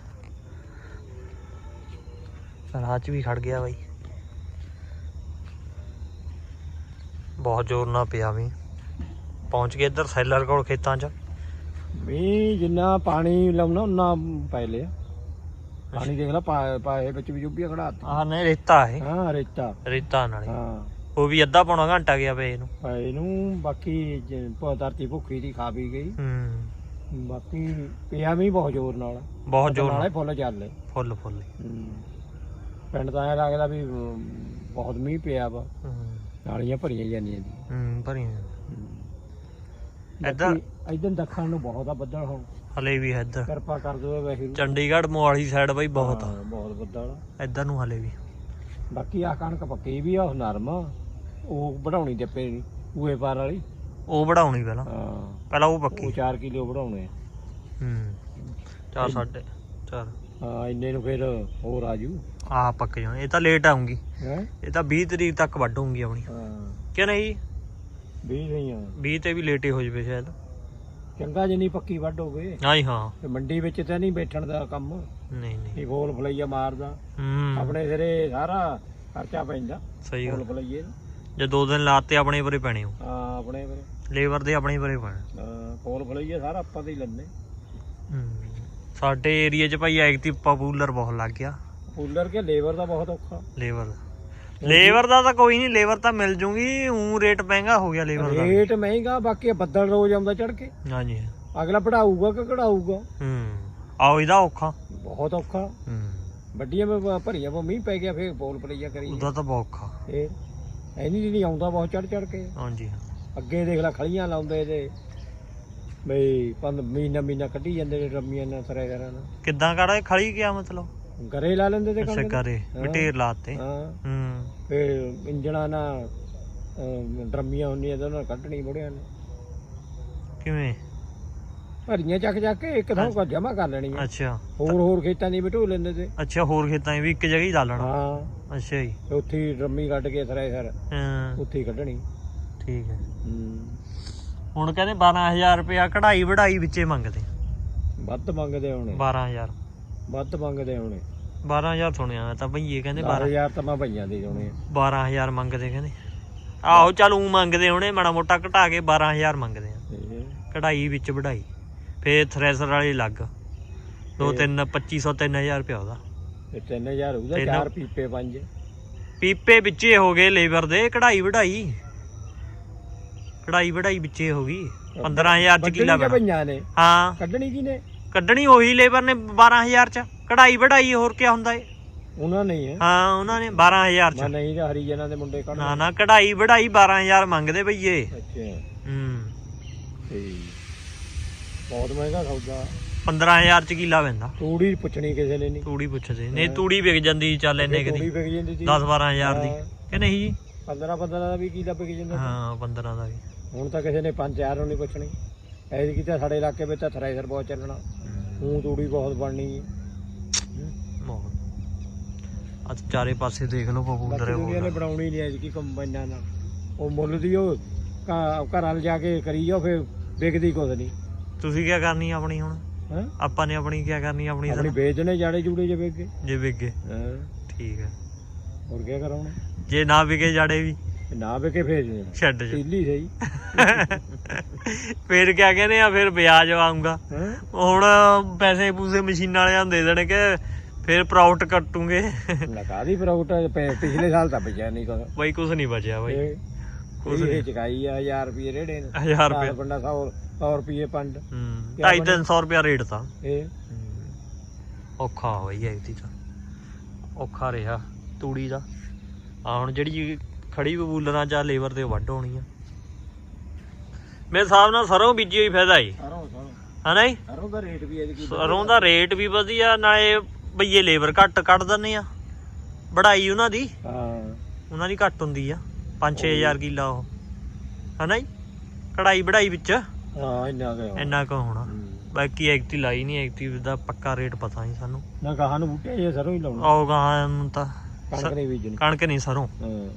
ਰਾਹ 'ਚ ਵੀ ਖੜ ਗਿਆ ਬਾਈ, ਬਹੁਤ ਜ਼ੋਰ ਨਾਲ ਪਿਆ ਵੀ। ਪਹੁੰਚ ਗਏ ਇੱਧਰ ਸੈਲਰ ਕੋਲ ਖੇਤਾਂ 'ਚ।
ਵੀ ਜਿੰਨਾ ਪਾਣੀ ਲਾਉਣਾ ਉਹਨਾਂ ਪੈ ਲਿਆ ਪਾਣੀ। ਦੇਖ ਲਾ ਪਾਏ ਵਿੱਚ ਵੀ ਜੁੱਬੀਆਂ ਖੜਾਤੀ।
ਆਹ ਨਹੀਂ ਰੇਤਾ ਹੈ,
ਹਾਂ ਰੇਤਾ
ਨਾਲੇ
ਹਾਂ
ਉਹ ਵੀ ਅੱਧਾ ਪੌਣਾ ਘੰਟਾ ਗਿਆ ਪਏ ਇਹਨੂੰ।
ਇਹਨੂੰ ਬਾਕੀ ਧਰਤੀ ਭੁੱਖੀ ਦੀ ਖਾ ਪੀ ਗਈ। ਬਾਕੀ ਪਿਆ ਵੀ ਬਹੁਤ ਜ਼ੋਰ ਨਾਲ,
ਬਹੁਤ ਜ਼ੋਰ
ਨਾਲੇ ਫੁੱਲ ਚੱਲੇ
ਫੁੱਲ
ਪਿੰਡ ਤਾਂ ਐਂ ਲੱਗਦਾ ਵੀ ਬਹੁਤ ਮੀਂਹ ਪਿਆ ਵਾ, ਨਾਲੀਆਂ ਭਰੀਆਂ ਜਾਂਦੀਆਂ ਜੀ।
ਭਰੀਆਂ
ਇੱਧਰ ਦੱਖਣ ਨੂੰ ਬਹੁਤ ਆ ਬੱਦਲ। ਹੁਣ
ਹਲੇ ਵੀ ਹੈ ਇੱਧਰ,
ਕਿਰਪਾ ਕਰ ਦੋ ਵੈਸੇ
ਚੰਡੀਗੜ੍ਹ ਮੋਹਾਲੀ ਸਾਈਡ ਬਾਈ ਬਹੁਤ ਆ,
ਬਹੁਤ ਬੱਦਲ
ਇੱਧਰ ਨੂੰ ਹਲੇ ਵੀ।
ਬਾਕੀ ਆ ਕਣਕ ਪੱਕੀ ਵੀ ਆ, ਉਹ ਨਰਮ ਆ, ਉਹ ਵਧਾਉਣੀ ਜੱਪੇ ਨੀ ਊਏ ਪਾਰ ਵਾਲੀ,
ਉਹ ਵਧਾਉਣੀ ਪਹਿਲਾਂ ਉਹ ਪੱਕੀ।
ਉਹ 4 ਕਿਲੋ ਵਧਾਉਣੇ ਆ।
4 ਸਾਢੇ 4
ਹਾਂ ਇੰਨੇ ਨੂੰ ਫਿਰ ਹੋਰ ਆਜੂ।
ਆਹ ਪੱਕ ਜਾਣ, ਇਹ ਤਾਂ ਲੇਟ ਆਉਂਗੀ,
ਹੈ
ਇਹ ਤਾਂ 20 ਤਰੀਕ ਤੱਕ ਵੱਢੂਗੀ ਆਪਣੀ।
ਹਾਂ
ਕਿ ਨਹੀਂ
20 ਨਹੀਂ ਆ,
20 ਤੇ ਵੀ ਲੇਟ ਹੀ ਹੋ ਜਵੇ ਸ਼ਾਇਦ।
ਚੰਗਾ ਜਿੰਨੀ ਪੱਕੀ ਵੱਢ ਹੋਵੇ।
ਹਾਂ
ਤੇ ਮੰਡੀ ਵਿੱਚ ਤਾਂ ਨਹੀਂ ਬੈਠਣ ਦਾ ਕੰਮ,
ਨਹੀਂ
ਗੋਲ ਫਲਈਆ ਮਾਰਦਾ ਆਪਣੇ ਸਿਰੇ ਸਾਰਾ ਖਰਚਾ ਪੈਂਦਾ।
ਸਹੀ ਗੱਲ,
ਫਲਈਏ
ਜੇ 2 ਦਿਨ ਲਾਤੇ ਆਪਣੇ ਪਰੇ ਪੈਣੇ ਹੋ।
ਹਾਂ ਆਪਣੇ ਪਰੇ,
ਲੇਬਰ ਦੇ ਆਪਣੇ ਪਰੇ ਪੈਣੇ।
ਗੋਲ ਫਲਈਆ ਸਾਰਾ ਆਪਾਂ ਤੇ ਹੀ ਲੈਂਦੇ।
ਸਾਡੇ ਏਰੀਆ 'ਚ ਭਾਈ ਐਕਟਿਵ ਪਪੂਲਰ ਬਹੁਤ ਲੱਗ ਗਿਆ।
ਕੂਲਰ ਕੇ ਲੇਬਰ ਦਾ ਬਹੁਤ ਔਖਾ।
ਲੇਬਰ ਦਾ ਤਾਂ ਕੋਈ ਨਹੀਂ, ਲੇਬਰ ਤਾਂ ਮਿਲ ਜੂਗੀ, ਊਂ ਰੇਟ ਮਹਿੰਗਾ ਹੋ ਗਿਆ ਲੇਬਰ ਦਾ।
ਰੇਟ ਮਹਿੰਗਾ, ਬਾਕੀ ਬੱਦਲ ਰੋਜ਼ ਆਉਂਦਾ ਚੜ ਕੇ।
ਹਾਂਜੀ
ਅਗਲਾ ਪੜਾਊਗਾ ਕਿ ਕਢਾਊਗਾ।
ਆਓ ਇਹਦਾ ਔਖਾ,
ਬਹੁਤ ਔਖਾ। ਵੱਡੀਆਂ ਭਰੀਆਂ ਮੀਂਹ ਪੈ ਗਿਆ, ਫੇਰ ਬੋਲ ਪਲਈਆ ਕਰੀ
ਉਹਦਾ ਤਾਂ ਬਹੁਤ ਔਖਾ।
ਇਹ ਐਨੀ ਜਿਹੜੀ ਆਉਂਦਾ ਬਹੁਤ ਚੜ ਕੇ।
ਹਾਂਜੀ
ਅੱਗੇ ਦੇਖ ਲੈ ਖਲੀਆਂ ਲਾਉਂਦੇ ਤੇ ਬਈ ਮਹੀਨਾ ਕੱਢੀ ਜਾਂਦੇ ਨੇ ਰੰਮੀਆਂ ਨਾਲ ਸਰੇ ਕਰਾਂ ਨਾਲ।
ਕਿੱਦਾਂ ਕਰਾ ਖੜੀ ਗਿਆ ਮਤਲਬ
ਗਰੇ ਲਾ ਲੈਂਦੇ ਤੇ
ਅੱਛਾ ਗਰੇ ਢੇਰ ਲਾਤੇ।
ਹਾਂ ਫੇਰ ਇੰਜਣਾ ਨਾਲ ਡਰਮੀਆਂ ਹੁੰਦੀਆਂ ਤੇ ਉਹਨਾਂ ਕੱਢਣੀ ਬੁੜਿਆਂ ਨੇ।
ਕਿਵੇਂ
ਭਰੀਆਂ ਚੱਕ ਕੇ ਇੱਕ ਥਾਂ ਕੋ ਜਮਾ ਕਰ ਲੈਣੀ ਆ।
ਅੱਛਾ
ਹੋਰ ਖੇਤਾਂ ਦੀ ਬਿਠੋ ਲੈਂਦੇ ਤੇ।
ਅੱਛਾ ਹੋਰ ਖੇਤਾਂ 'ਚ ਵੀ ਇੱਕ ਜਗ੍ਹਾ ਹੀ ਲਾ ਲੈਣਾ।
ਹਾਂ
ਅੱਛਾ ਜੀ।
ਤੇ ਉੱਥੇ ਹੀ ਡਰਮੀ ਕੱਢ ਕੇ ਥਰੈਸ਼ਰ
ਹਾਂ
ਉੱਥੇ ਹੀ ਕੱਢਣੀ।
ਠੀਕ ਹੈ। ਹੁਣ ਕਹਿੰਦੇ 12000 ਰੁਪਇਆ ਕਢਾਈ ਵਢਾਈ ਵਿੱਚੇ ਮੰਗਦੇ।
ਵੱਧ ਮੰਗਦੇ ਹੋਣੇ।
12000
ਵੱਧ ਮੰਗਦੇ ਹੋਣੇ।
12000 ਸੁਣਿਆ ਮੈਂ ਤਾਂ ਭਈਏ ਕਹਿੰਦੇ
12000 ਤਾਂ ਮੈਂ ਭਈਆਂ ਦੇ ਹੋਣੇ।
12000 ਮੰਗਦੇ ਕਹਿੰਦੇ। ਆਹੋ ਚੱਲ ਊਂ ਮੰਗਦੇ ਹੋਣੇ ਮਾੜਾ ਮੋਟਾ ਘਟਾ ਕੇ 12000 ਮੰਗਦੇ ਆ ਕਢਾਈ ਵਿੱਚ ਵਢਾਈ। ਫੇਰ ਥ੍ਰੈਸ਼ਰ ਵਾਲੇ ਅਲੱਗ 2500 3000 ਰੁਪਇਆ ਉਹਦਾ।
3000 ਹੋਊਗਾ। 4 ਪੀਪੇ 5
ਪੀਪੇ ਵਿੱਚੇ ਹੋ ਗਏ ਲੇਬਰ ਦੇ। ਕਢਾਈ ਵਢਾਈ ਵਿੱਚੇ ਹੋ ਗਈ। 15000 ਚ ਕਿੱਲਾ
ਭਈਆਂ ਨੇ।
ਹਾਂ
ਕੱਢਣੀ ਕੀ ਨੇ?
ਕੱਢਣੀ ਉਹੀ ਲੇਬਰ ਨੇ 12000 ਚ। ਕਢਾਈ ਵਢਾਈ ਹੋਰ ਕੀ ਹੁੰਦਾ ਏ?
ਉਹਨਾਂ ਨੇ ਹੀ ਹੈ।
ਹਾਂ ਉਹਨਾਂ ਨੇ 12000 ਚ।
ਨਹੀਂ ਤਾਂ ਹਰੀਜਨਾਂ ਦੇ ਮੁੰਡੇ ਕੱਢ।
ਨਾ ਕਢਾਈ ਵਢਾਈ 12000 ਮੰਗਦੇ ਭਈਏ।
ਅੱਛਾ
ਠੀਕ।
ਬਹੁਤ ਮਹਿੰਗਾ ਸੌਦਾ।
15000 ਚ ਕਿੱਲਾ ਪੈਂਦਾ।
ਤੂੜੀ ਪੁੱਛਣੀ ਕਿਸੇ ਨੇ ਨਹੀਂ।
ਤੂੜੀ ਪੁੱਛਦੇ ਨਹੀਂ। ਤੂੜੀ ਵਿਕ ਜਾਂਦੀ ਚੱਲ ਇੰਨੇ ਕਿ ਦੀ 10-12000 ਦੀ ਕਿ ਨਹੀਂ ਜੀ?
15 ਦਾ ਵੀ ਕਿੱਲਾ ਵਿਕ ਜਾਂਦਾ।
ਹਾਂ 15 ਦਾ ਵੀ। ਹੁਣ
ਤਾਂ ਕਿਸੇ ਨੇ 5-4 ਨੂੰ ਨਹੀਂ ਪੁੱਛਣੀ। ਐਸੀ ਕੀਤਾ ਸਾਡੇ ਇਲਾਕੇ ਵਿੱਚ ਤਾਂ ਥ੍ਰੈਸ਼ਰ ਬਹੁਤ ਚੱਲਣਾ। ਹੁਣ ਤੂੜੀ ਬਹੁਤ ਬਣਨੀ ਹੈ।
ਅੱਜ ਚਾਰੇ ਪਾਸੇ ਦੇਖ ਲਓ ਪਪੂਲਰ
ਦੁਨੀਆ ਨੇ ਬਣਾਉਣੀ ਨਹੀਂ ਐਸੀ ਕੰਬਾਈਨਾਂ ਨਾਲ। ਉਹ ਮੁੱਲ ਦੀ ਉਹ ਘਰਾਂ ਜਾ ਕੇ ਕਰੀ ਜਾਓ ਫਿਰ ਵਿਕਦੀ ਕੁਝ ਨਹੀਂ।
ਤੁਸੀਂ ਕੀ ਕਰਨੀ ਆਪਣੀ ਹੁਣ? ਆਪਾਂ ਨੇ ਆਪਣੀ ਕੀ ਕਰਨੀ? ਆਪਣੀ
ਵੇਚਣੇ ਜਾੜੇ ਜੂੜੇ ਜੇ ਵਿਕ ਗਏ।
ਜੇ ਵਿਕ ਗਏ ਠੀਕ ਹੈ।
ਹੋਰ ਕੀ ਕਰਾਉਣਾ? ਜੇ
ਨਾ ਵਿਕੇ ਜਾੜੇ ਵੀ
ਨਾ ਵਿਕੇ ਫੇਰ
ਛੱਡ
ਢੀਲੀ ਸਹੀ।
ਫੇਰ ਕਿਆ ਕਹਿੰਦੇ ਆ? ਫਿਰ ਵਿਆਜ ਆਊਗਾ। ਹੁਣ ਪੈਸੇ ਪੂਸੇ ਮਸ਼ੀਨਾਂ ਵਾਲਿਆਂ ਨੂੰ ਦੇ ਦੇਣੇ ਕਿ ਫਿਰ ਪ੍ਰੋਫਿਟ ਕੱਟੂਗੇ।
ਕਾਹਦੀ ਪ੍ਰੋਫਿਟ? ਪਿਛਲੇ ਸਾਲ ਤਾਂ ਬਚਿਆ ਨਹੀਂ ਕੁਛ
ਬਾਈ। ਕੁਛ ਨਹੀਂ ਬਚਿਆ ਬਾਈ।
ਇਹ ਚਕਾਈ ਆ 1000 ਰੁਪਏ ਰੇੜੇ ਨੇ।
1000 ਰੁਪਏ
ਬੰਦਾ 100 ਰੁਪਏ ਪੰਡ।
250-300 ਰੁਪਇਆ ਰੇਟ ਤਾਂ।
ਇਹ
ਔਖਾ ਬਾਈ ਐਤੀ ਤਾਂ ਔਖਾ ਰਿਹਾ ਤੂੜੀ ਦਾ। ਆ ਹੁਣ ਜਿਹੜੀ ਖੜੀ ਬਬੂਲਰਾਂ ਜਾਂ ਲੇਬਰ ਤੇ ਵੱਢ ਹੋਣੀ ਆ। ਮੇਰੇ ਹਿਸਾਬ ਨਾਲ ਸਰੋਂ ਬੀਜੀ ਹੋਈ ਫਾਇਦਾ ਈ ਹਨਾ ਜੀ?
ਸਰੋਂ ਦਾ ਰੇਟ ਵੀ
ਸਰੋਂ ਦਾ ਰੇਟ ਵੀ ਵਧੀਆ। ਨਾਲੇ ਬਈਏ ਲੇਬਰ ਘੱਟ ਕੱਢ ਦਿੰਦੇ ਆ। ਵਢਾਈ ਉਹਨਾਂ ਦੀ ਘੱਟ ਹੁੰਦੀ ਆ। 5-6000 ਕਿੱਲਾ ਉਹ ਹਨਾ ਜੀ? ਕਢਾਈ ਵਢਾਈ ਵਿੱਚ ਇੰਨਾ ਕੁ ਹੋਣਾ। ਬਾਕੀ ਐਕਟੀ ਲਾਈ ਨਹੀਂ। ਐਕਟੀ ਦਾ ਪੱਕਾ ਰੇਟ ਪਤਾ ਨਹੀਂ ਸਾਨੂੰ। ਨਾ ਗਾਹਾਂ ਨੂੰ ਬੂਟੇ ਜੇ ਸਰੋਂ ਹੀ ਲਾਉਣਾ। ਆਓ ਗਾਹਾਂ ਨੂੰ ਤਾਂ ਕਣਕ ਨਹੀਂ ਬੀਜਣੀ। ਕਣਕ ਨਹੀਂ ਸਰੋਂ।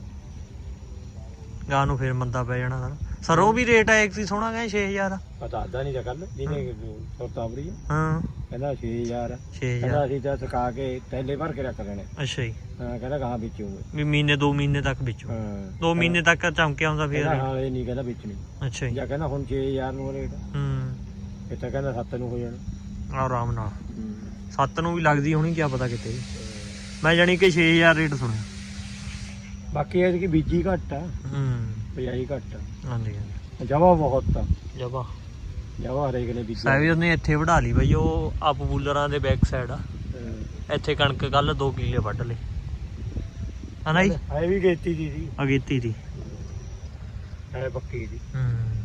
ਗਾਹ ਨੂੰ ਫੇਰ ਮੰਦਾ ਪੈ ਜਾਣਾ ਸਾਰਾ। ਸਰੋਂ ਵੀ ਰੇਟ ਹੈ ਐਕਟੀ ਸੋਹਣਾ ਕਹਿੰਦੇ 6000 ਪਤਾ ਆਦਾ ਨਹੀਂ ਤਾਂ ਕੱਲ ਜਿਹਨੇ ਸੁਰਤਾਵਰੀ ਕਹਿੰਦਾ 6000 ਕਹਿੰਦਾ ਅਸੀਂ ਤਾਂ ਸੁਕਾ ਕੇ ਥੈਲੇ ਭਰ ਕੇ ਰੱਖ ਦੇਣੇ। ਅੱਛਾ ਜੀ। ਕਹਿੰਦਾ ਗਾਹਾਂ ਵੇਚੂਗੇ ਵੀ ਮਹੀਨੇ 2 ਮਹੀਨੇ ਤੱਕ ਵੇਚੂ। 2 ਮਹੀਨੇ ਤੱਕ ਚਮਕਿਆ ਹੁੰਦਾ ਫੇਰ। ਹਾਂ ਇਹ ਨਹੀਂ ਕਹਿੰਦਾ ਵੇਚਣੀ। ਅੱਛਾ ਜੀ। ਜਾਂ ਕਹਿੰਦਾ ਹੁਣ 6000 ਨੂੰ ਰੇਟ। ਇਹ ਤਾਂ ਕਹਿੰਦਾ 7 ਨੂੰ ਹੋ ਜਾਣਾ ਆਰਾਮ ਨਾਲ। 7 ਨੂੰ ਵੀ ਲੱਗਦੀ ਹੋਣੀ ਕਿਆ ਪਤਾ ਕਿਤੇ। ਮੈਂ ਜਾਣੀ ਕਿ 6000 ਰੇਟ ਸੁਣਿਆ। ਬਾਕੀ ਇਹ ਕਿ ਬੀਜੀ ਘੱਟ ਆ। ਬਿਜਾਈ ਘੱਟ ਆ। ਹਾਂਜੀ ਜਵਾ ਬਹੁਤ ਆ। ਜਵਾ ਹਰੇਕ ਨੇ ਬੀਜੀ। ਸਾਵੀ ਉਹਨੇ ਇੱਥੇ ਵਢਾ ਲਈ ਬਾਈ। ਉਹ ਆ ਪਪੂਲਰਾਂ ਦੇ ਬੈਕ ਸਾਈਡ ਆ। ਇੱਥੇ ਕਣਕ ਕੱਲ 2 ਕਿੱਲੇ ਵੱਢ ਲਏ ਹਨਾ ਜੀ? ਇਹ ਵੀ ਗੇਤੀ ਦੀ ਸੀ। ਅਗੇਤੀ ਦੀ ਪੱਕੀ ਦੀ।